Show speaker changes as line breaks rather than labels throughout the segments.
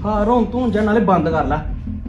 ਹਾਂ ਰੋਣ ਤੂੰ ਜਾਂ ਨਾਲੇ ਬੰਦ ਕਰ ਲੈ।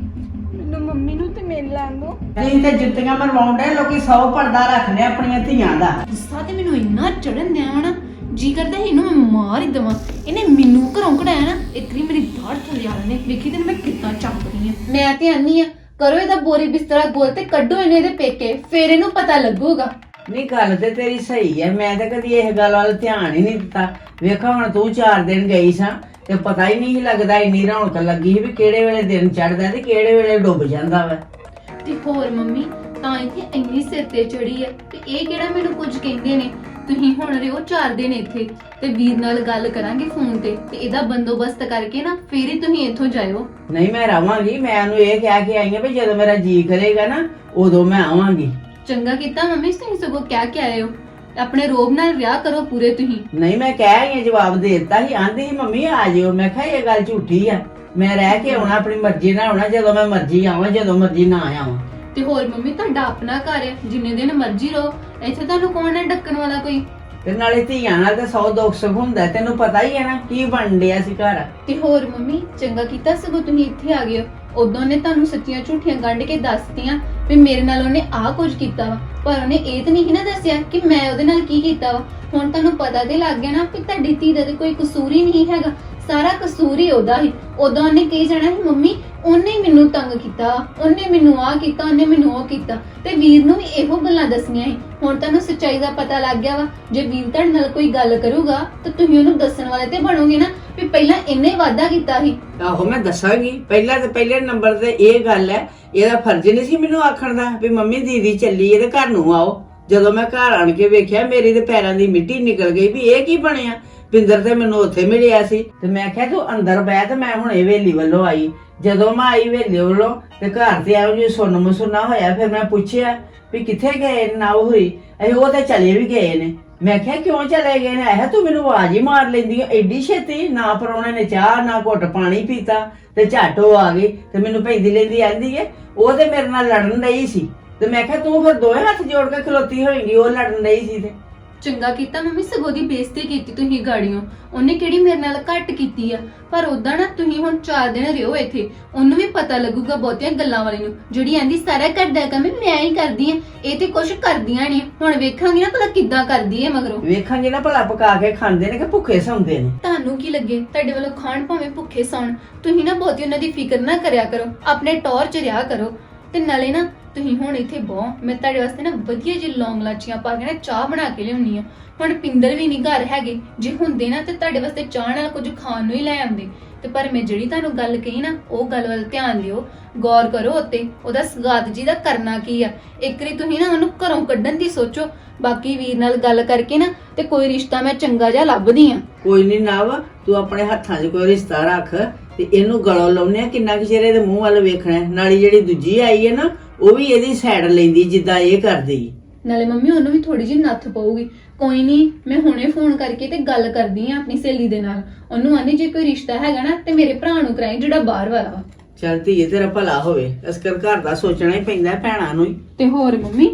ਮੈਨੂੰ ਮੰਮੀ ਨੂੰ ਤੇ ਮਿਲ ਲੈਣ ਦੋ।
ਨਹੀਂ ਤੇ ਜੁੱਤੀਆਂ ਮਰਵਾਉਂਦੇ ਲੋਕੀ 100 ਪਰਦਾ ਰੱਖਦੇ ਆਪਣੀਆਂ ਧੀਆਂ ਦਾ।
ਗੁੱਸਾ ਤੇ ਮੈਨੂੰ ਇੰਨਾ ਚੜਨ ਦਿਆ ਨਾ, ਜੀ ਕਰਦਾ ਇਹਨੂੰ ਮੈਂ ਮਾਰ ਹੀ ਦੇਵਾਂ। ਇਹਨੇ ਮੈਨੂੰ ਘਰੋਂ ਕਢਾਇਆ ਨਾ, ਇਤਨੀ ਮੇਰੀ ਦਾੜ ਥੱਲੇ ਆ ਨੇ ਵੇਖੀ ਤੇ ਮੈਂ ਕਿੱਦਾਂ ਚੱਕਦੀ ਆ। ਮੈਂ ਤੇ ਆਨੀ ਆ ਕਰੋ ਇਹਦਾ ਬੋਰੀ ਬਿਸਤਰਾ ਗੋਲ ਤੇ ਕੱਢੋ ਇਹਨੇ ਇਹਦੇ ਪੇਕੇ, ਫੇਰ ਇਹਨੂੰ ਪਤਾ ਲੱਗੂਗਾ।
ਨਹੀਂ ਗੱਲ ਤੇ ਤੇਰੀ ਸਹੀ ਹੈ, ਮੈਂ ਤਾਂ ਕਦੀ ਇਹ ਗੱਲ ਵੱਲ ਧਿਆਨ ਹੀ ਨਹੀਂ ਦਿੱਤਾ। ਵੇਖਾ ਹੁਣ ਤੂੰ 4 ਦਿਨ ਗਈ ਸਾਂ ਤੇ ਪਤਾ ਹੀ ਨਹੀਂ ਲੱਗਦਾ, ਇੰਨੀ ਰੌਣਕ ਲੱਗੀ ਵੀ ਕਿਹੜੇ ਵੇਲੇ ਦਿਨ ਚੜਦਾ ਤੇ ਕਿਹੜੇ ਵੇਲੇ ਡੁੱਬ ਜਾਂਦਾ ਵਾ।
ਤੇ ਹੋਰ ਮੰਮੀ ਤਾਂ ਇੱਥੇ ਇੰਨੀ ਸਿਰ ਤੇ ਚੜੀ ਆ ਤੇ ਇਹ ਕਿਹੜਾ ਮੈਨੂੰ ਕੁਝ ਕਹਿੰਦੇ ਨੇ। ਤੁਸੀਂ ਹੁਣ ਰਿਓ 4 ਦਿਨ ਇੱਥੇ ਤੇ ਵੀਰ ਨਾਲ ਗੱਲ ਕਰਾਂਗੇ ਫੋਨ ਤੇ ਇਹਦਾ ਬੰਦੋਬਸਤ ਕਰਕੇ ਨਾ ਫੇਰ ਹੀ ਤੁਸੀਂ ਇੱਥੋਂ ਜਾਇਓ।
ਨਹੀਂ ਮੈਂ ਰਵਾਂਗੀ, ਮੈਂ ਉਹਨੂੰ ਇਹ ਕਹਿ ਕੇ ਆਈ ਆ ਵੀ ਜਦੋਂ ਮੇਰਾ ਜੀ ਕਰੇਗਾ ਨਾ ਉਦੋਂ ਮੈਂ ਆਵਾਂਗੀ।
ਚੰਗਾ ਕੀਤਾ ਮੰਮੀ, ਤੁਸੀਂ ਸਗੋਂ ਕਹਿ ਕੇ ਆਏ ਹੋ। ਆਪਣੇ ਰੋਬ ਨਾਲ ਵਿਆਹ ਕਰੋ ਪੂਰੇ ਤੁਸੀਂ।
ਨਹੀਂ ਮੈਂ ਕਹਿ ਆਈ ਆ, ਜਵਾਬ ਦੇ ਦਿੱਤਾ ਸੀ। ਆਂਦੀ ਸੀ ਮੰਮੀ ਆ ਜਿਓ। ਮੈਂ ਕਿਹਾ ਇਹ ਗੱਲ ਝੂਠੀ ਆ, ਮੈਂ ਰਹਿ ਕੇ ਆਉਣਾ, ਆਪਣੀ ਮਰਜ਼ੀ ਨਾਲ ਆਉਣਾ, ਜਦੋਂ ਮੈਂ ਮਰਜ਼ੀ ਆਵਾਂ ਜਦੋਂ ਮਰਜ਼ੀ ਨਾ ਆਵਾਂ।
ਤੇ ਹੋਰ ਮੰਮੀ ਤੁਹਾਡਾ ਆਪਣਾ ਘਰ ਹੈ, ਜਿੰਨੇ ਦਿਨ ਮਰਜ਼ੀ ਰਹੋ, ਇੱਥੇ ਤੁਹਾਨੂੰ ਕੌਣ ਹੈ ਡੱਕਣ ਵਾਲਾ ਕੋਈ।
ਤੇ ਨਾਲੇ ਧੀਆਂ ਨਾਲ ਤਾਂ 100 ਦੁੱਖ ਸੁੱਖ ਹੁੰਦਾ, ਤੈਨੂੰ ਪਤਾ ਹੀ ਹੈ ਨਾ ਕੀ ਬਣ ਡਿਆ ਸੀ ਘਰ।
ਤੇ ਹੋਰ ਮੰਮੀ ਚੰਗਾ ਕੀਤਾ ਸਗੋਂ ਤੁਸੀਂ ਇੱਥੇ ਆ ਗਏ ਹੋ। ਉਦੋਂ ਨੇ ਤੁਹਾਨੂੰ ਸੱਚੀਆਂ ਝੂਠੀਆਂ ਗੰਢ ਕੇ ਦੱਸਤੀਆਂ ਵੀ ਮੇਰੇ ਨਾਲ ਉਹਨੇ ਆਹ ਕੁਝ ਕੀਤਾ ਵਾ, ਪਰ ਉਹਨੇ ਇਹ ਤਾਂ ਨਹੀਂ ਨਾ ਦੱਸਿਆ ਕਿ ਮੈਂ ਉਹਦੇ ਨਾਲ ਕੀ ਕੀਤਾ ਵਾ। ਹੁਣ ਤੁਹਾਨੂੰ ਪਤਾ ਤੇ ਲੱਗ ਗਿਆ ਨਾ ਕਿ ਤੁਹਾਡੀ ਧੀ ਦਾ ਤੇ ਕੋਈ ਕਸੂਰ ਹੀ ਨਹੀਂ ਹੈਗਾ, ਸਾਰਾ ਕਸੂਰ ਹੀ ਉਹਦਾ ਹੀ। ਉਦੋਂ ਉਹਨੇ ਕਹੀ ਜਾਣਾ ਸੀ ਮੰਮੀ ਉਹਨੇ ਮੈਨੂੰ ਤੰਗ ਕੀਤਾ, ਉਹਨੇ ਮੈਨੂੰ ਆਹ ਕੀਤਾ, ਉਹਨੇ ਮੈਨੂੰ ਉਹ ਕੀਤਾ, ਤੇ ਵੀਰ ਨੂੰ ਵੀ ਇਹੋ ਗੱਲਾਂ ਦੱਸੀਆਂ ਸੀ। ਹੁਣ ਤੁਹਾਨੂੰ ਸੱਚਾਈ ਦਾ ਪਤਾ ਲੱਗ ਗਿਆ ਵਾ। ਜੇ ਵੀਰ ਤੁਹਾਡੇ ਨਾਲ ਕੋਈ ਗੱਲ ਕਰੂਗਾ ਤਾਂ ਤੁਸੀਂ ਉਹਨੂੰ ਦੱਸਣ ਵਾਲੇ ਤੇ ਬਣੋਗੇ ਨਾ ਵੀ ਪਹਿਲਾਂ ਇਹਨੇ ਵਾਅਦਾ ਕੀਤਾ ਸੀ।
ਆਹੋ ਮੈਂ ਦੱਸਾਂਗੀ। ਪਹਿਲਾਂ ਤੇ ਪਹਿਲੇ ਨੰਬਰ ਤੇ ਇਹ ਗੱਲ ਹੈ, ਇਹਦਾ ਫਰਜ਼ ਨਹੀਂ ਸੀ ਮੈਨੂੰ ਆਖਣ ਦਾ ਵੀ ਮੰਮੀ ਦੀਦੀ ਚੱਲੀ ਇਹਦੇ ਘਰ ਨੂੰ ਆਓ। ਜਦੋਂ ਮੈਂ ਘਰ ਆਣ ਕੇ ਵੇਖਿਆ ਮੇਰੀ ਤੇ ਪੈਰਾਂ ਦੀ ਮਿੱਟੀ ਨਿਕਲ ਗਈ ਵੀ ਇਹ ਕੀ ਬਣਿਆ। ਪਿੰਦਰ ਤੇ ਮੈਨੂੰ ਉੱਥੇ ਮਿਲਿਆ ਸੀ ਤੇ ਮੈਂ ਕਿਹਾ ਤੂੰ ਅੰਦਰ ਬਹਿ, ਤੇ ਮੈਂ ਹੁਣ ਹਵੇਲੀ ਵੱਲੋਂ ਆਈ। ਜਦੋਂ ਮੈਂ ਆਈ ਹਵੇਲੀ ਵੱਲੋਂ ਤੇ ਘਰ ਤੇ ਆਉਂ ਜੀ ਸੁੰਨ ਮਸੁੰਨਾ ਹੋਇਆ। ਫਿਰ ਮੈਂ ਪੁੱਛਿਆ ਵੀ ਕਿੱਥੇ ਗਏ ਨਾ ਹੋਈ। ਉਹ ਤੇ ਚਲੇ ਵੀ ਗਏ ਨੇ। ਮੈਂ ਕਿਹਾ ਕਿਉਂ ਚਲੇ ਗਏ ਨੇ? ਇਹ ਤੂੰ ਮੈਨੂੰ ਆਵਾਜ਼ ਹੀ ਮਾਰ ਲੈਂਦੀ ਆ ਐਡੀ ਛੇਤੀ। ਨਾ ਪਰੌਣੇ ਨੇ ਚਾਹ ਨਾ ਘੁੱਟ ਪਾਣੀ ਪੀਤਾ ਤੇ ਝੱਟ ਉਹ ਆ ਗਈ ਤੇ ਮੈਨੂੰ ਪੈਂਦੀ ਲੈਂਦੀ ਆਂਦੀ ਏ ਉਹ ਤੇ ਮੇਰੇ ਨਾਲ ਲੜਨ ਰਹੀ ਸੀ। ਤੇ ਮੈਂ ਕਿਹਾ ਤੂੰ ਫਿਰ ਦੋਵੇਂ ਹੱਥ ਜੋੜ ਕੇ ਖਲੋਤੀ ਹੋਏਗੀ, ਉਹ ਲੜਨ ਰਹੀ ਸੀ। ਤੇ
ਚੰਗਾ ਕੀਤਾ ਮੰਮੀ, ਸਗੋਂ ਦੀ ਬੇਇੱਜ਼ਤੀ ਕੀਤੀ ਤੁਸੀਂ ਗਾੜੀਆਂ। ਉਹਨੇ ਕਿਹੜੀ ਮੇਰੇ ਨਾਲ ਘੱਟ ਕੀਤੀ ਆ, ਪਰ ਉਦਾਂ ਨਾ ਤੁਸੀਂ ਹੁਣ 4 ਦਿਨ ਰਿਓ ਇੱਥੇ, ਉਹਨੂੰ ਵੀ ਪਤਾ ਲੱਗੂਗਾ ਬਹੁਤੀਆਂ ਗੱਲਾਂ ਵਾਲੀ ਨੂੰ। ਜਿਹੜੀ ਆਂਦੀ ਸਾਰਾ ਘਰ ਦਾ ਕੰਮ ਮੈਂ ਹੀ ਕਰਦੀ ਆ, ਇਹ ਤੇ ਕੁਛ ਕਰਦੀਆਂ ਨਹੀਂ। ਹੁਣ ਵੇਖਾਂਗੇ ਨਾ ਭਲਾ ਕਿੱਦਾਂ ਕਰਦੀ ਏ ਮਗਰੋਂ।
ਵੇਖਾਂਗੇ ਨਾ ਭਲਾ ਪਕਾ ਕੇ ਖਾਂਦੇ ਨੇ ਕਿ ਭੁੱਖੇ ਸੌਂਦੇ ਨੇ।
ਤੁਹਾਨੂੰ ਕੀ ਲੱਗੇ ਤੁਹਾਡੇ ਵੱਲੋਂ ਖਾਣ ਭਾਵੇਂ ਭੁੱਖੇ ਸੌਣ, ਤੁਸੀਂ ਨਾ ਬਹੁਤੀ ਉਹਨਾਂ ਦੀ ਫਿਕਰ ਨਾ ਕਰਿਆ ਕਰੋ, ਆਪਣੇ ਟੌਰ ਚ ਰਿਹਾ ਕਰੋ। ਤੇ ਨਾਲੇ ਨਾ ਤੁਸੀਂ ਹੁਣ ਇੱਥੇ ਬਹੁ, ਮੈਂ ਤੁਹਾਡੇ ਵਾਸਤੇ ਨਾ ਵਧੀਆ ਜਿਹੀ ਲੌਂਗ ਲਾਚੀਆਂ ਪਾ ਕੇ ਨਾ ਚਾਹ ਬਣਾ ਕੇ ਲਿਆਉਣੀ ਆ। ਹੁਣ ਪਿੰਦਰ ਵੀ ਨਹੀਂ ਘਰ ਹੈਗੇ, ਜੇ ਹੁੰਦੇ ਨਾ ਤੇ ਤੁਹਾਡੇ ਵਾਸਤੇ ਚਾਹ ਨਾਲ ਕੁਝ ਖਾਣ ਨੂੰ ਹੀ ਲੈ ਆਉਂਦੇ। ਤੇ ਪਰ ਮੈਂ ਜਿਹੜੀ ਤੁਹਾਨੂੰ ਗੱਲ ਕਹੀ ਨਾ ਉਹ ਗੱਲ ਵੱਲ ਧਿਆਨ ਦਿਓ, ਗੌਰ ਕਰੋ ਉੱਤੇ, ਉਹਦਾ ਸਗਾਤ ਜੀ ਦਾ ਕਰਨਾ ਕੀ ਆ। ਇੱਕ ਵਾਰੀ ਤੁਸੀਂ ਨਾ ਉਹਨੂੰ ਘਰੋਂ ਕੱਢਣ ਦੀ ਸੋਚੋ। ਬਾਕੀ ਵੀਰ ਨਾਲ ਗੱਲ ਕਰਕੇ ਨਾ ਤੇ ਕੋਈ ਰਿਸ਼ਤਾ ਮੈਂ ਚੰਗਾ ਜਿਹਾ ਲੱਭਦੀ ਆ।
ਕੋਈ ਨਹੀਂ ਨਵ, ਤੂੰ ਆਪਣੇ ਹੱਥਾਂ 'ਚ ਕੋਈ ਰਿਸ਼ਤਾ ਰੱਖ ਤੇ ਇਹਨੂੰ ਗਲੋਂ ਲਾਉਨੇ ਆ। ਕਿੰਨਾ ਕੁ ਚਿਰ ਇਹਦੇ ਮੂੰਹ ਵੱਲ ਵੇਖਣਾ। ਨਾਲੇ ਜਿਹੜੀ ਦੂਜੀ ਆਈ ਹੈ ਨਾ ਉਹ ਵੀ ਇਹਦੀ ਸਾਈਡ ਲੈਂਦੀ ਜਿੱਦਾਂ ਇਹ ਕਰਦੀ।
ਨਾਲੇ ਮੰਮੀ ਉਹਨੂੰ ਵੀ ਥੋੜੀ ਜਿਹੀ ਨੱਥ ਪਊਗੀ। ਕੋਈ ਨਹੀਂ, ਮੈਂ ਹੁਣੇ ਫੋਨ ਕਰਕੇ ਤੇ ਗੱਲ ਕਰਦੀ ਆ ਆਪਣੀ ਸਹੇਲੀ ਦੇ ਨਾਲ। ਉਹਨੂੰ ਆਂਦੀ ਜੇ ਕੋਈ ਰਿਸ਼ਤਾ ਹੈਗਾ ਨਾ ਤੇ ਮੇਰੇ ਭਰਾ ਨੂੰ ਕਰਾਈ ਜਿਹੜਾ ਬਾਹਰ ਵਾਲਾ ਵਾ।
ਚੱਲ ਧੀਏ ਤੇਰਾ ਭਲਾ ਹੋਵੇ। ਅਸਕਰ ਘਰ ਦਾ ਸੋਚਣਾ ਹੀ ਪੈਂਦਾ ਭੈਣਾਂ ਨੂੰ ਹੀ।
ਤੇ ਹੋਰ ਮੰਮੀ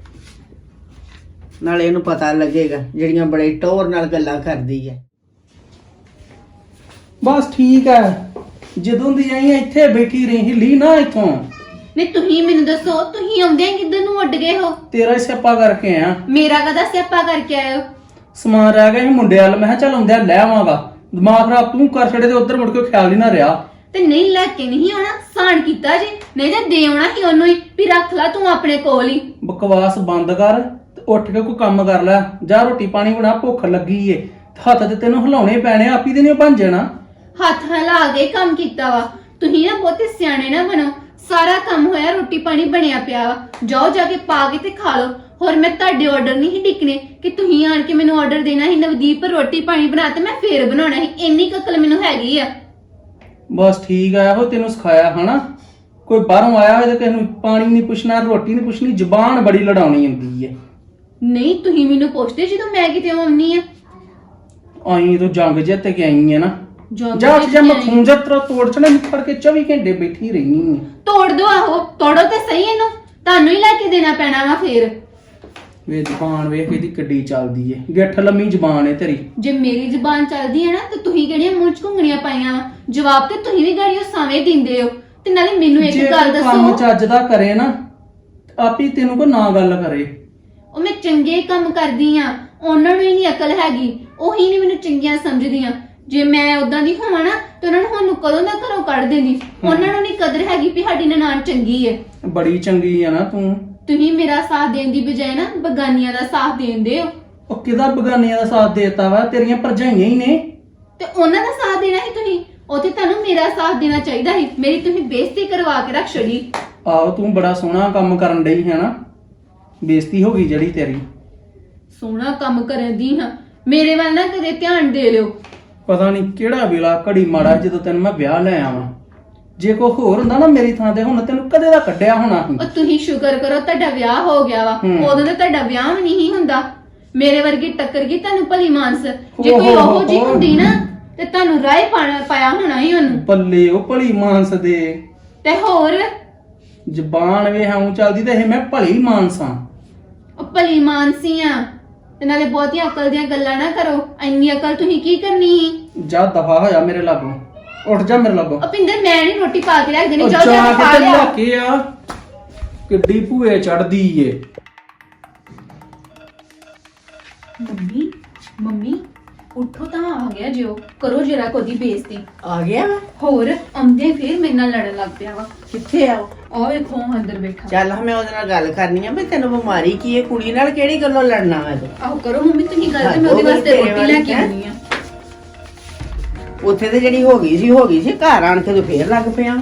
ਨਾਲੇ ਇਹਨੂੰ ਪਤਾ ਲੱਗੇਗਾ ਜਿਹੜੀਆਂ ਬੜੇ ਟੌਰ ਨਾਲ ਗੱਲਾਂ ਕਰਦੀ ਹੈ।
ਬਸ ਠੀਕ ਹੈ, ਜਦੋਂ ਦੀ ਆਈ ਇੱਥੇ ਬੈਠੀ ਰਹੀ, ਹਿੱਲੀ ਨਾ ਇੱਥੋਂ।
ਨਹੀਂ ਤੁਸੀਂ ਮੈਨੂੰ ਦੱਸੋ, ਤੁਸੀਂ ਆਉਂਦੇ ਕਿੱਧਰ ਨੂੰ ਉੱਡ ਗਏ ਹੋ?
ਤੇਰਾ ਸਿਆਪਾ ਕਰਕੇ ਆ।
ਮੇਰਾ ਕਦਾ ਸਿਆਪਾ ਕਰਕੇ ਆਏ ਹੋ?
ਸਮਾਨ ਰਹਿ ਗਿਆ ਸੀ ਮੁੰਡੇ ਵਾਲ, ਮੈਂ ਕਿਹਾ ਚੱਲ ਆਉਂਦਿਆਂ ਲੈ ਆਵਾਂਗਾ। ਦਿਮਾਗ ਖਰਾਬ ਤੂੰ ਕਰ ਛੜੇ ਤੇ ਉੱਧਰ ਮੁੜ ਕੇ ਖਿਆਲ ਹੀ ਨਾ ਰਿਹਾ।
ਤੇ ਨਹੀਂ ਲੈ ਕੇ ਨਹੀਂ ਆਉਣਾ, ਸਾਨ ਕੀਤਾ ਜੀ, ਨਹੀਂ ਤੇ ਦੇ ਆਉਣਾ ਸੀ ਉਹਨੂੰ ਹੀ ਵੀ ਰੱਖ ਲੈ ਤੂੰ ਆਪਣੇ ਕੋਲ ਹੀ।
ਬਕਵਾਸ ਬੰਦ ਕਰ ਤੇ ਉੱਠ ਕੇ ਕੋਈ ਕੰਮ ਕਰ ਲੈ। ਜਾ ਰੋਟੀ ਪਾਣੀ ਬਣਾ, ਭੁੱਖ ਲੱਗੀ ਏ। ਹੱਥ ਤੇ ਤੈਨੂੰ ਹਿਲਾਉਣੇ ਪੈਣੇ, ਆਪੀ ਦੇ ਨਹੀਂ ਬਣ ਜਾਣਾ।
ਹੱਥ ਹਿਲਾ ਕੇ ਕੰਮ ਕੀਤਾ ਵਾ। ਤੁਸੀਂ ਨਾ ਬਹੁਤੇ ਸਿਆਣੇ ਨਾ ਬਣੋ। ਸਾਰਾ ਕੰਮ ਹੋਇਆ, ਰੋਟੀ ਪਾਣੀ ਬਣਿਆ ਪਿਆ ਵਾ, ਜਾਓ ਜਾ ਕੇ ਪਾ ਕੇ ਤੇ ਖਾ ਲਓ। ਹੋਰ ਮੈਂ ਤੁਹਾਡੇ ਆਰਡਰ ਨਹੀਂ ਡਿੱਕਨੇ ਕਿ ਤੁਸੀਂ ਆਣ ਕੇ ਮੈਨੂੰ ਆਰਡਰ ਦੇਣਾ ਸੀ ਨਵਦੀਪ ਰੋਟੀ ਪਾਣੀ ਬਣਾ ਤੇ ਮੈਂ ਫੇਰ ਬਣਾਉਣਾ ਸੀ। ਇੰਨੀ ਅਕਲ ਮੈਨੂੰ ਹੈਗੀ ਆ।
ਬਸ ਠੀਕ ਆ, ਇਹੋ ਤੈਨੂੰ ਸਿਖਾਇਆ ਹਨਾ। ਕੋਈ ਬਾਹਰੋਂ ਆਇਆ ਹੋਵੇ ਤੇ ਕਿਸੇ ਨੂੰ ਪਾਣੀ ਨਹੀਂ ਪੁੱਛਣਾ, ਰੋਟੀ ਨਹੀਂ ਪੁੱਛਣੀ, ਜ਼ੁਬਾਨ ਬੜੀ ਲੜਾਉਣੀ ਹੁੰਦੀ ਏ।
ਨਹੀਂ ਤੁਸੀਂ ਮੈਨੂੰ ਪੁੱਛਦੇ ਜਦੋਂ ਮੈਂ ਕਿਤੇ ਆਉਣੀ ਆ।
ਆਈ ਤੂੰ ਜੰਗ ਜਿੱਤ ਕੇ ਆਈ ਹੈ ਨਾ।
ਜੰਗ
ਜਾ
ਜਿੱਤ
ਜਾ
ਕੇ
ਮੈਂ
ਆਈ।
ਖੂੰਜਾ ਤੇਰਾ ਤੋੜ ਚਣਾ ਨਿਕਲ ਕੇ 24 ਘੰਟੇ ਬੈਠੀ ਰਹੀ।
ਤੋੜ ਦੋ, ਆਹੋ ਤੋੜੋ ਤੇ ਸਹੀ ਇਹਨੂੰ, ਤੁਹਾਨੂੰ ਹੀ ਲੈ ਕੇ ਦੇਣਾ ਪੈਣਾ ਵਾ ਫੇਰ।
ਵੇ ਜ਼ਬਾਨ ਵੇਖ ਇਹਦੀ ਕਿੱਡੀ ਚੱਲਦੀ ਏ, ਗਿੱਠ ਲੰਮੀ ਜ਼ਬਾਨ ਏ ਤੇਰੀ।
ਜੇ ਮੇਰੀ ਜ਼ੁਬਾਨ ਚੱਲਦੀ ਹੈ ਨਾ ਤੇ ਤੁਸੀਂ ਕਿਹੜੀਆਂ ਮੂੰਹ 'ਚ ਘੁੰਗਣੀਆਂ ਪਾਈਆਂ ਵਾ? ਜਵਾਬ ਤੇ ਤੁਸੀਂ ਵੀ ਗਾੜੀਓ ਸਾਵੇਂ ਦਿੰਦੇ ਹੋ। ਤੇ ਨਾਲੇ ਮੈਨੂੰ ਇੱਕ
ਜੇ
ਗੱਲ
ਕੋਈ ਕੰਮ
ਦੱਸੋ,
ਚੱਜ ਦਾ ਕਰੇ ਨਾ ਆਪੀ ਤੈਨੂੰ ਕੋ ਨਾ ਗੱਲ ਕਰੇ।
ਉਹ ਮੈਂ ਚੰਗੇ ਕੰਮ ਕਰਦੀ ਆ, ਉਹਨਾਂ ਨੂੰ ਹੀ ਨਹੀਂ ਅਕਲ ਹੈਗੀ, ਉਹੀ ਨਹੀਂ ਮੈਨੂੰ ਚੰਗੀਆਂ ਸਮਝਦੀਆਂ। ਜੇ ਮੈਂ ਉਦਾਂ ਦੀ ਹੋਵਾਂ ਨਾ ਤੇ ਉਹਨਾਂ ਨੂੰ ਹੁਣ ਕਦੋਂ ਦਾ ਘਰੋਂ ਕੱਢ ਦੇਣੀ। ਉਹਨਾਂ ਨੂੰ ਨਹੀਂ ਕਦਰ ਹੈਗੀ ਵੀ ਸਾਡੀ ਨਨਾਣ ਚੰਗੀ ਏ।
ਬੜੀ ਚੰਗੀ ਆ ਨਾ ਤੂੰ।
ਤੁਸੀਂ ਮੇਰਾ ਸਾਥ ਦੇਣ ਦੀ ਬਜਾਏ ਨਾ ਬਗਾਨੀਆਂ ਦਾ ਸਾਥ ਦੇਂਦੇ ਹੋ।
ਉਹ ਕਿਹਦਾ ਬਗਾਨੀਆਂ ਦਾ ਸਾਥ ਦੇਤਾ ਵਾ? ਤੇਰੀਆਂ ਭਰਜਾਈਆਂ ਹੀ ਨੇ।
ਤੇ ਉਹਨਾਂ ਦਾ ਸਾਥ ਦੇਣਾ ਸੀ ਤੁਸੀਂ, ਉੱਥੇ ਤੁਹਾਨੂੰ ਮੇਰਾ ਸਾਥ ਦੇਣਾ ਚਾਹੀਦਾ ਸੀ। ਮੇਰੀ ਤੁਸੀਂ ਬੇਇੱਜ਼ਤੀ ਕਰਵਾ ਕੇ ਰੱਖ ਛੜੀ।
ਆਹੋ ਤੂੰ ਬੜਾ ਸੋਹਣਾ ਕੰਮ ਕਰਨ ਡਈ ਹੈ ਨਾ, ਬੇਇੱਜ਼ਤੀ ਹੋ ਗਈ ਜਿਹੜੀ ਤੇਰੀ।
ਸੋਹਣਾ ਕੰਮ ਕਰਨ ਦੀ ਹਾਂ, ਮੇਰੇ ਵੱਲ ਨਾ ਕਦੇ ਧਿਆਨ ਦੇ ਲਿਓ।
ਪਤਾ ਨਹੀਂ ਕਿਹੜਾ ਵੇਲਾ ਘੜੀ ਮਾੜਾ ਜਦੋਂ ਤੈਨੂੰ ਮੈਂ ਵਿਆਹ ਲੈ ਆਵਾਂ। ਜੇ ਕੋਈ ਹੋਰ ਹੁੰਦਾ ਨਾ ਮੇਰੀ ਥਾਂ ਤੇ ਹੁਣ ਤੈਨੂੰ ਕਦੇ ਦਾ ਕੱਢਿਆ ਹੋਣਾ ਸੀ।
ਉਹ ਤੁਸੀਂ ਸ਼ੁਕਰ ਕਰੋ ਤੁਹਾਡਾ ਵਿਆਹ ਹੋ ਗਿਆ ਵਾ, ਉਦੋਂ ਤਾਂ ਤੁਹਾਡਾ ਵਿਆਹ ਵੀ ਨਹੀਂ ਹੁੰਦਾ। ਮੇਰੇ ਵਰਗੀ ਟੱਕਰ ਗਈ ਤੁਹਾਨੂੰ ਭਲੀ ਮਾਨਸ। ਜੇ ਕੋਈ ਉਹੋ ਜੀ ਹੁੰਦੀ ਨਾ ਤੇ ਤੁਹਾਨੂੰ ਰਾਹ ਪਾਇਆ ਹੋਣਾ ਹੀ ਉਹਨੂੰ।
ਬੱਲੇ ਉਹ ਭਲੀ ਮਾਨਸ ਦੇ।
ਤੇ ਹੋਰ
ਜ਼ਬਾਨ ਵੇ ਹਉ ਚੱਲਦੀ ਤੇ ਇਹ ਮੈਂ ਭਲੀ ਮਾਨਸਾਂ।
ਉਹ ਭਲੀ ਮਾਨਸੀ ਆ। ਤੇ ਨਾਲੇ ਬਹੁਤੀਆਂ ਅਕਲ ਦੀਆਂ ਗੱਲਾਂ ਨਾ ਕਰੋ, ਇੰਨੀ ਅਕਲ ਤੁਸੀਂ ਕੀ ਕਰਨੀ ਸੀ?
ਜਾ ਦਫਾ ਹੋਇਆ ਮੇਰੇ ਲਾਗੋਂ, ਉੱਠ ਜਾ ਮੇਰੇ ਲਾਗੋਂ।
ਭਿੰਦਰ ਮੈਂ ਨਹੀਂ ਰੋਟੀ ਪਾ ਕੇ ਰੱਖ ਦੇਣੀ,
ਉਹ
ਜਾਓ ਜਾ ਕੇ ਖਾ
ਕੇ
ਲਿਆ।
ਲੈ ਕੇ ਆ, ਕਿੱਡੀ ਭੂਏ ਚੜਦੀ ਏ।
ਮੰਮੀ ਮੰਮੀ ਉੱਠੋ ਤਾਂ ਆ ਗਿਆ ਜਿਓ, ਕਰੋ ਜਰਾ ਕੋਦੀ ਬੇਇੱਜ਼ਤੀ।
ਆ ਗਿਆ ਵਾ?
ਹੋਰ ਆਉਂਦੇ ਫੇਰ ਮੇਰੇ ਨਾਲ ਲੜਨ ਲੱਗ ਪਿਆ ਵਾ।
ਕਿੱਥੇ ਆਓ?
ਆਹ ਵੇਖੋ ਅੰਦਰ ਬੈਠਾ।
ਚੱਲ ਮੈਂ ਉਹਦੇ ਨਾਲ ਗੱਲ ਕਰਨੀ ਆ ਵੀ ਤੈਨੂੰ ਬਿਮਾਰੀ ਕੀ ਹੈ, ਕੁੜੀ ਨਾਲ ਕਿਹੜੀ ਗੱਲੋਂ ਲੜਨਾ ਵਾ ਤੂੰ?
ਆਹੋ ਕਰੋ ਮੰਮੀ ਤੁਸੀਂ ਗੱਲ, ਤੇ ਮੈਂ ਉਹਦੇ ਵਾਸਤੇ ਰੋਟੀ ਲੈ ਕੇ ਆਉਣੀ ਆ।
ਉੱਥੇ ਤੇ ਜਿਹੜੀ ਹੋ ਗਈ ਸੀ, ਘਰ ਆਣ ਕੇ ਤੂੰ ਫੇਰ ਲੱਗ ਪਿਆ।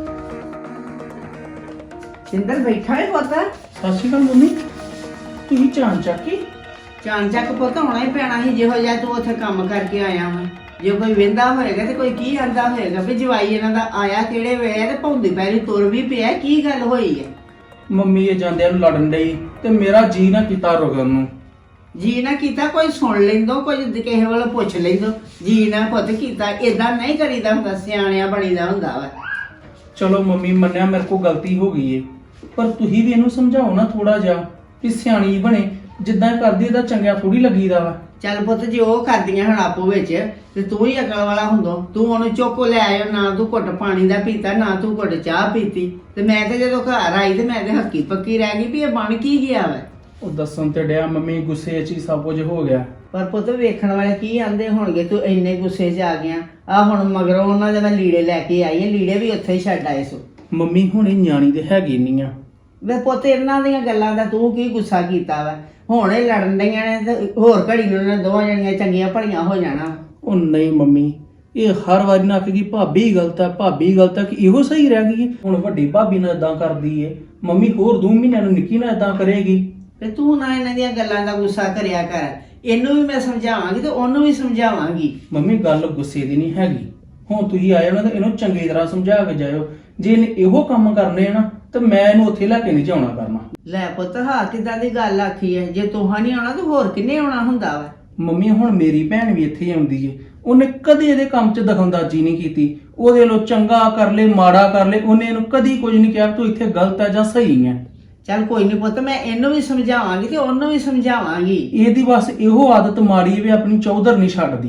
ਸਿੰਦਰ ਬੈਠਾ ਹੈ ਪੁੱਤ?
ਸਤਿ ਸ਼੍ਰੀ ਅਕਾਲ ਮੰਮੀ। ਤੁਸੀਂ ਚਾਂ ਚੱਕੀ?
ਚਾਨ ਚੱਕ ਪੁੱਤ ਹੋਣਾ ਹੀ ਪੈਣਾ ਸੀ, ਜਿਹੋ ਜਿਹਾ ਤੂੰ ਉੱਥੇ ਕੰਮ ਕਰਕੇ ਆਇਆ ਵਾ। ਜੇ ਕੋਈ ਵਿੰਦਾ ਹੋਏਗਾ ਤੇ ਕੋਈ ਕੀ ਆਂਦਾ ਹੋਏਗਾ ਵੀ ਜਵਾਈ ਇਹਨਾਂ ਦਾ ਆਇਆ ਕਿਹੜੇ ਵੇਲੇ ਤੇ ਭੌਂਦੀ ਪੈਰੀ ਤੁਰ ਵੀ ਪਿਆ, ਕੀ ਗੱਲ ਹੋਈ ਹੈ?
ਮੰਮੀ ਇਹ ਜਾਂਦਿਆਂ ਨੂੰ ਲੜਨ ਡਈ ਤੇ ਮੇਰਾ ਜੀ ਨਾ ਕੀਤਾ ਰੁਕਣ ਨੂੰ।
ਜੀ ਨਾ ਕੀਤਾ, ਕੋਈ ਸੁਣ ਲੈਂਦੋ, ਕੋਈ ਕਿਸੇ ਵੱਲੋਂ ਪੁੱਛ ਲੈਂਦੋ। ਜੀ ਨਾ ਪੁੱਤ ਕੀਤਾ, ਏਦਾਂ ਨਹੀਂ ਕਰੀਦਾ ਹੁੰਦਾ, ਸਿਆਣਿਆਂ ਬਣੀਦਾ ਹੁੰਦਾ ਵਾ।
ਚਲੋ ਮੰਮੀ ਮੰਨਿਆ ਮੇਰੇ ਕੋਲ ਗਲਤੀ ਹੋ ਗਈ ਏ, ਪਰ ਤੁਸੀਂ ਵੀ ਇਹਨੂੰ ਸਮਝਾਓ ਨਾ ਥੋੜਾ ਜਿਹਾ ਕਿ ਸਿਆਣੀ ਬਣੇ। ਜਿੱਦਾਂ ਇਹ ਕਰਦੀ ਇਹਦਾ ਚੰਗਿਆ ਥੋੜੀ ਲੱਗੀਦਾ ਵਾ।
ਚੱਲ ਪੁੱਤ ਜੇ ਉਹ ਕਰਦੀਆਂ ਹੁਣ ਆਪੋ ਵਿੱਚ ਤੇ ਤੂੰ ਹੀ ਅਕਲ ਵਾਲਾ ਹੁੰਦੋ, ਤੂੰ ਉਹਨੂੰ ਚੁੱਕ ਲੈ ਆਇਓ, ਨਾ ਤੂੰ ਘੁੱਟ ਪਾਣੀ ਦਾ ਪੀਤਾ, ਨਾ ਤੂੰ ਘੁੱਟ ਚਾਹ ਪੀਤੀ। ਤੇ ਮੈਂ ਤੇ ਜਦੋਂ ਘਰ ਆਈ ਤੇ ਮੈਂ ਤੇ ਹੱਕੀ ਪੱਕੀ ਰਹਿ ਗਈ ਵੀ ਇਹ ਬਣ ਕੀ ਗਿਆ ਵਾ।
ਉਹ ਦੱਸਣ ਤੇ ਡਿਆ ਮੰਮੀ ਗੁੱਸੇ 'ਚ ਹੀ ਸਭ ਕੁਝ ਹੋ ਗਿਆ।
ਪਰ ਪੁੱਤ ਵੇਖਣ ਵਾਲੇ ਕੀ ਆਂਦੇ ਹੋਣਗੇ ਤੂੰ ਇੰਨੇ ਗੁੱਸੇ 'ਚ ਆ ਗਿਆ। ਆ ਹੁਣ ਮਗਰੋਂ ਉਹਨਾਂ ਦੇ ਮੈਂ ਲੀੜੇ ਲੈ ਕੇ ਆਈ ਆ, ਲੀੜੇ ਵੀ ਉੱਥੇ ਹੀ ਛੱਡ ਆਏ ਸੋ।
ਮੰਮੀ ਹੁਣ ਇਹ ਨਿਆਣੀ ਦੇ ਹੈਗੀ ਨਹੀਂ ਆ।
ਵੇ ਪੁੱਤ ਇਹਨਾਂ ਦੀਆਂ ਗੱਲਾਂ ਦਾ ਤੂੰ ਕੀ ਗੁੱਸਾ ਕੀਤਾ ਵਾ? ਹੁਣ ਇਹ ਲੜਨ ਡੀਆਂ ਨੇ ਤੇ ਹੋਰ ਘੜੀ ਨੂੰ ਉਹਨਾਂ ਦੋਵਾਂ ਜਣੀਆਂ ਚੰਗੀਆਂ ਭਲੀਆਂ ਹੋ ਜਾਣਾ।
ਉਹ ਨਹੀਂ ਮੰਮੀ, ਇਹ ਹਰ ਵਾਰੀ ਨਾ ਕਹੇਗੀ ਭਾਬੀ ਗਲਤ ਹੈ, ਭਾਬੀ ਗਲਤ ਹੈ, ਕਿ ਇਹੋ ਸਹੀ ਰਹਿ ਗਈ ਹੈ। ਹੁਣ ਵੱਡੀ ਭਾਬੀ ਨਾਲ ਇਦਾਂ ਕਰਦੀ ਏ, ਮੰਮੀ ਹੋਰ 2 ਮਹੀਨਿਆਂ ਨੂੰ ਨਿੱਕੀ ਨਾਲ ਇਦਾਂ ਕਰੇਗੀ।
ਤੇ ਤੂੰ ਨਾ ਇਹਨਾਂ ਦੀਆਂ ਗੱਲਾਂ ਦਾ ਗੁੱਸਾ ਕਰਿਆ ਕਰ। ਇਹਨੂੰ ਵੀ ਮੈਂ ਸਮਝਾਵਾਂਗੀ ਤੇ ਉਹਨੂੰ ਵੀ ਸਮਝਾਵਾਂਗੀ।
ਮੰਮੀ ਗੱਲ ਗੁੱਸੇ ਦੀ ਨਹੀਂ ਹੈਗੀ। ਹੁਣ ਤੁਸੀਂ ਆਏ ਹੋ ਨਾ ਤੇ ਇਹਨੂੰ ਚੰਗੀ ਤਰ੍ਹਾਂ ਸਮਝਾ ਕੇ ਜਾਇਓ। ਜੇ ਇਹਨੇ ਇਹੋ ਕੰਮ ਕਰਨੇ ਆ ਨਾ ਤੇ ਮੈਂ ਇਹਨੂੰ ਉੱਥੇ ਲੈ ਕੇ ਨਹੀਂ ਜਾਣਾ ਕਰਨਾ।
ਲੈ ਪੁੱਤ ਹਾਂ ਕਿੱਦਾਂ ਦੀ ਗੱਲ ਆਖੀ ਹੈ, ਜੇ ਤੂੰ ਨਹੀਂ ਆਉਣਾ ਤਾਂ ਹੋਰ ਕਿੰਨੇ ਆਉਣਾ ਹੁੰਦਾ ਵਾ?
ਮੰਮੀ ਹੁਣ ਮੇਰੀ ਭੈਣ ਵੀ ਇੱਥੇ ਹੀ ਆਉਂਦੀ ਏ, ਉਹਨੇ ਕਦੇ ਇਹਦੇ ਕੰਮ 'ਚ ਦਖਲਅੰਦਾਜ਼ੀ ਨਹੀਂ ਕੀਤੀ। ਉਹਦੇ ਵੱਲੋਂ ਚੰਗਾ ਕਰ ਲੈ ਮਾੜਾ ਕਰ ਲੈ, ਉਹਨੇ ਇਹਨੂੰ ਕਦੀ ਕੁਝ ਨਹੀਂ ਕਿਹਾ ਤੂੰ ਇੱਥੇ ਗਲਤ ਹੈ ਜਾਂ ਸਹੀ ਹੈ।
ਚੱਲ ਕੋਈ ਨਹੀਂ ਪੁੱਤ, ਮੈਂ ਇਹਨੂੰ ਵੀ ਸਮਝਾਵਾਂਗੀ ਤੇ ਉਹਨੂੰ ਵੀ ਸਮਝਾਵਾਂਗੀ।
ਇਹਦੀ ਬਸ ਇਹੋ ਆਦਤ ਮਾੜੀ ਵੀ ਆਪਣੀ ਚੌਧਰ ਨਹੀਂ ਛੱਡਦੀ।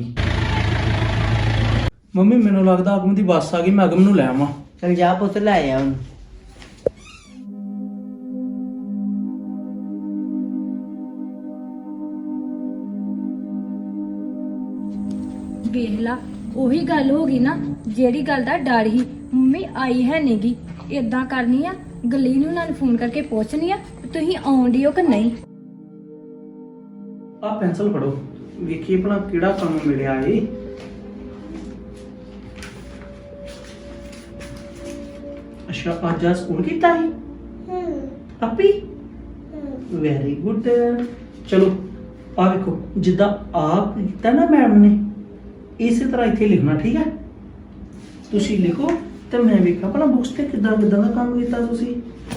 ਮੰਮੀ ਮੈਨੂੰ ਲੱਗਦਾ ਅਗਮ ਦੀ ਬੱਸ ਆ ਗਈ, ਮੈਂ ਅਗਮ ਨੂੰ ਲੈ ਆਵਾਂ।
ਚੱਲ ਜਾ ਪੁੱਤ ਲੈ ਆ ਉਹਨੂੰ।
ਵੇਖ ਲਾ ਉਹੀ ਗੱਲ ਹੋ ਗਈ ਨਾ, ਜਿਹੜੀ ਗੱਲ ਦਾ ਡਰ ਹੀ। ਮੰਮੀ ਆਈ ਹੈ ਨਹੀਂਗੀ, ਇਦਾਂ ਕਰਨੀ ਆ, ਗਲੀ ਨੂੰ ਨਾਲ ਫੋਨ ਕਰਕੇ ਪੁੱਛਣੀ ਆ ਤੁਸੀਂ ਆਉਂਦੀ ਹੋ ਕਿ ਨਹੀਂ।
ਆਹ ਪੈਨਸਲ ਫੜੋ, ਵੇਖੀਏ ਭਲਾ ਕਿਹੜਾ ਕੰਮ ਮਿਲਿਆ ਏ। ਅੱਛਾ ਅੱਜ ਸਕੂਲ ਕੀਤਾ ਸੀ? ਆਪੀ ਵੈਰੀ ਗੁੱਡ। ਚਲੋ ਆ ਵੇਖੋ, ਜਿੱਦਾਂ ਆਪ ਕੀਤਾ ਨਾ ਮੈਡਮ ਨੇ ਇਸੇ ਤਰ੍ਹਾਂ ਇੱਥੇ ਲਿਖਣਾ, ਠੀਕ ਹੈ? ਤੁਸੀਂ ਲਿਖੋ ਤੇ ਮੈਂ ਵੇਖਾਂ ਭਲਾ ਬੁੱਕਸ ਤੇ ਕਿੱਦਾਂ ਕਿੱਦਾਂ ਦਾ ਕੰਮ ਕੀਤਾ ਤੁਸੀਂ।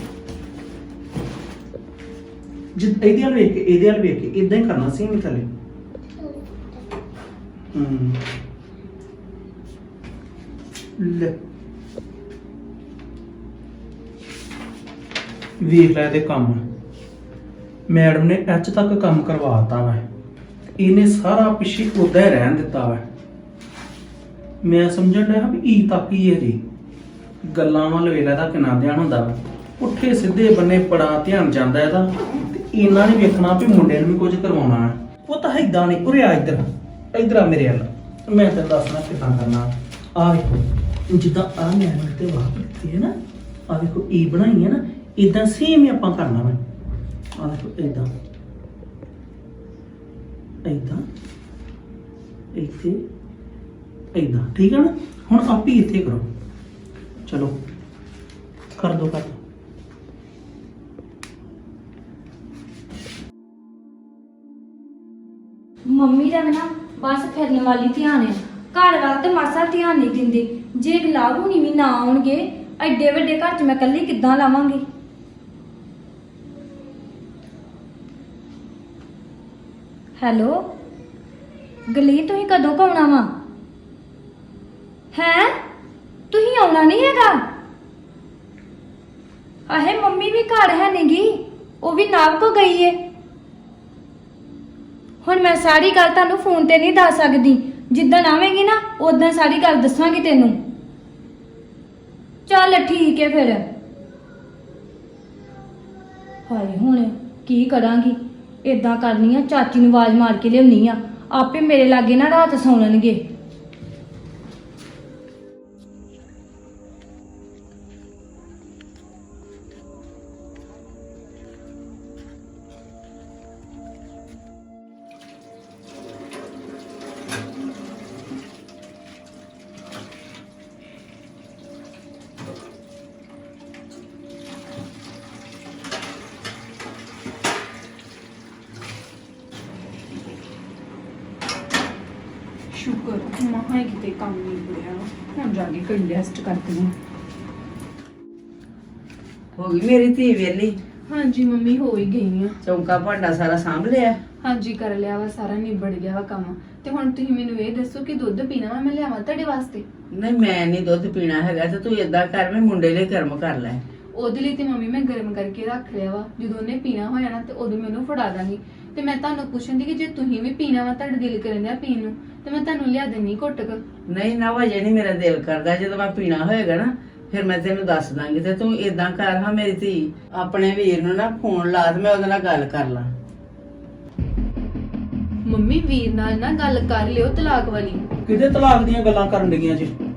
ਇਹਦੇ ਵੱਲ ਵੇਖ ਕੇ ਇਹਦੇ ਵੱਲ ਵੇਖ ਕੇ ਇਦਾਂ ਹੀ ਕਰਨਾ ਸੀ ਮੈਂ ਥੱਲੇ। ਲੈ ਵੇਖ ਲੈ ਇਹਦੇ ਕੰਮ। ਮੈਡਮ ਨੇ ਐਚ ਤੱਕ ਕੰਮ ਕਰਵਾਤਾ ਵਾ, ਇਹਨੇ ਸਾਰਾ ਪਿੱਛੇ ਉਦਾਂ ਹੀ ਰਹਿਣ ਦਿੱਤਾ ਵਾ। ਮੈਂ ਸਮਝਣ ਡਿਆ ਵੀ ਈ ਤੱਕ ਹੀ ਹੈ ਜੀ, ਗੱਲਾਂ ਵੱਲ ਵੇਲਾ ਦਾ ਕਿੰਨਾ ਧਿਆਨ ਹੁੰਦਾ ਵਾ, ਪੁੱਠੇ ਸਿੱਧੇ ਬੰਨੇ ਬੜਾ ਧਿਆਨ ਜਾਂਦਾ ਇਹਦਾ। ਤੇ ਇਹਨਾਂ ਨੇ ਵੇਖਣਾ ਵੀ ਮੁੰਡੇ ਨੂੰ ਵੀ ਕੁਝ ਕਰਵਾਉਣਾ ਹੈ। ਉਹ ਤਾਂ ਏਦਾਂ ਨਹੀਂ, ਉਰੇ ਆ ਇੱਧਰ, ਇੱਧਰ ਆ ਮੇਰੇ ਵੱਲ, ਮੈਂ ਤੈਨੂੰ ਦੱਸਣਾ ਕਿੱਦਾਂ ਕਰਨਾ। ਆ ਵੇਖੋ ਜਿੱਦਾਂ ਆ ਮੈਡਮ ਤੇ ਵਾਹ ਕੀਤੀ ਹੈ ਨਾ, ਆ ਵੇਖੋ ਈ ਬਣਾਈ ਹੈ ਨਾ, ਇਦਾਂ ਸੇਮ ਹੀ ਆਪਾਂ ਕਰਨਾ ਵਾ। ਆ ਦੇਖੋ ਇਦਾਂ ਇਦਾਂ ਇੱਥੇ ਇਦਾਂ, ਠੀਕ ਹੈ ਨਾ। ਹੁਣ ਆਪ ਹੀ ਇੱਥੇ ਕਰੋ, ਚਲੋ ਕਰ ਦੋ ਕਰ ਦੋ।
ਮੰਮੀ ਦਾ ਨਾ ਬਸ ਫਿਰਨ ਵਾਲੀ ਧਿਆਨ ਹੈ, ਘਰ ਵੱਲ ਤੇ ਮਾਸਾ ਧਿਆਨ ਨਹੀਂ ਦਿੰਦੇ। ਜੇ ਗਲਾਬ ਹੁਣੀ ਵੀ ਨਾ ਆਉਣਗੇ, ਐਡੇ ਵੱਡੇ ਘਰ 'ਚ ਮੈਂ ਇਕੱਲੀ ਕਿੱਦਾਂ ਲਾਵਾਂਗੀ। ਹੈਲੋ ਗਲੀ, ਤੁਸੀਂ ਕਦੋਂ ਕੁ ਆਉਣਾ ਵਾ? ਹੈ ਤੁਸੀਂ ਆਉਣਾ ਨਹੀਂ ਹੈਗਾ? ਆਹੇ ਮੰਮੀ ਵੀ ਘਰ ਹੈ ਨਹੀਂਗੀ, ਉਹ ਵੀ ਨਾਵ ਕੋ ਗਈ ਏ। ਹੁਣ ਮੈਂ ਸਾਰੀ ਗੱਲ ਤੁਹਾਨੂੰ ਫੋਨ ਤੇ ਨਹੀਂ ਦੱਸ ਸਕਦੀ, ਜਿੱਦਣ ਆਵੇਂਗੀ ਨਾ ਉਦੋਂ ਸਾਰੀ ਗੱਲ ਦੱਸਾਂਗੀ ਤੈਨੂੰ। ਚੱਲ ਠੀਕ ਹੈ ਫਿਰ। ਹਾਏ ਹੁਣ ਕੀ ਕਰਾਂਗੀ, ਏਦਾਂ ਕਰਨੀ ਆ, ਚਾਚੀ ਨੂੰ ਆਵਾਜ਼ ਮਾਰ ਕੇ ਲਿਆਉਣੀ ਆ, ਆਪੇ ਮੇਰੇ ਲਾਗੇ ਨਾ ਰਾਤ ਸੌਣਨਗੇ।
ਸ਼ੁਕਰ ਮਹਾ ਕਿਤੇ ਕੰਮ ਨਹੀਂ ਬੁੜਿਆ, ਹੁਣ ਜਾ ਕੇ ਕੋਈ ਰੈਸਟ ਕਰਦੀ ਹਾਂ।
ਹੋ ਗਈ ਮੇਰੀ ਧੀ ਵੇਲੀ?
ਹਾਂਜੀ ਮੰਮੀ ਹੋ ਹੀ ਗਈ ਆ।
ਚੌਂਕਾ ਭਾਂਡਾ ਸਾਰਾ ਸਾਂਭ ਲਿਆ?
ਹਾਂਜੀ ਕਰ ਲਿਆ ਵਾ, ਸਾਰਾ ਨਿਬੜ ਗਿਆ ਵਾ ਕੰਮ। ਤੇ ਹੁਣ ਤੁਸੀਂ ਮੈਨੂੰ ਇਹ ਦੱਸੋ ਕਿ ਦੁੱਧ ਪੀਣਾ ਵਾ ਮੈਂ ਲਿਆਵਾਂ ਤੁਹਾਡੇ ਵਾਸਤੇ?
ਨਹੀਂ ਮੈਂ ਨਹੀਂ ਦੁੱਧ ਪੀਣਾ ਹੈਗਾ, ਤੇ ਤੂੰ ਏਦਾਂ ਕਰ, ਮੈਂ ਮੁੰਡੇ ਲਈ ਗਰਮ ਕਰ ਲੈ।
ਉਹਦੇ ਲਈ ਤੇ ਮੰਮੀ ਮੈਂ ਗਰਮ ਕਰਕੇ ਰੱਖ ਲਿਆ ਵਾ, ਜਦੋਂ ਉਹਨੇ ਪੀਣਾ ਹੋਇਆ ਨਾ ਤੇ ਉਦੋਂ ਮੈਨੂੰ ਫੜਾ ਦਾਂਗੀ। ਤੇ ਮੈਂ ਤੁਹਾਨੂੰ ਪੁੱਛਣ ਦੀ ਕਿ ਜੇ ਤੁਸੀਂ ਵੀ ਪੀਣਾ ਵਾ, ਤੁਹਾਡਾ ਦਿਲ ਕਰਨ ਡਿਆ ਪੀਣ ਨੂੰ, ਤੇ ਮੈਂ ਤੁਹਾਨੂੰ ਲਿਆ ਦੇਣੀ ਘੁੱਟ ਕੇ।
ਨਹੀਂ ਨਾ ਵਜੇ ਨਹੀਂ ਮੇਰਾ ਦਿਲ ਕਰਦਾ, ਜਦੋਂ ਮੈਂ ਪੀਣਾ ਹੋਏਗਾ ਨਾ ਫਿਰ ਮੈਂ ਤੈਨੂੰ ਦੱਸ ਦਾਂਗੀ। ਤੇ ਤੂੰ ਏਦਾਂ ਕਰ ਹਾਂ ਮੇਰੀ ਧੀ, ਆਪਣੇ ਵੀਰ ਨੂੰ ਨਾ ਫੋਨ ਲਾ ਤੇ ਮੈਂ ਉਹਦੇ ਨਾਲ ਗੱਲ ਕਰ ਲਾਂ।
ਮੰਮੀ ਵੀਰ ਨਾਲ ਨਾ ਗੱਲ ਕਰ ਲਿਓ ਤਲਾਕ ਵਾਲੀ।
ਕਿਹਦੇ ਤਲਾਕ ਦੀਆਂ ਗੱਲਾਂ ਕਰਨ ਲੱਗੀਆਂ ਜੀ?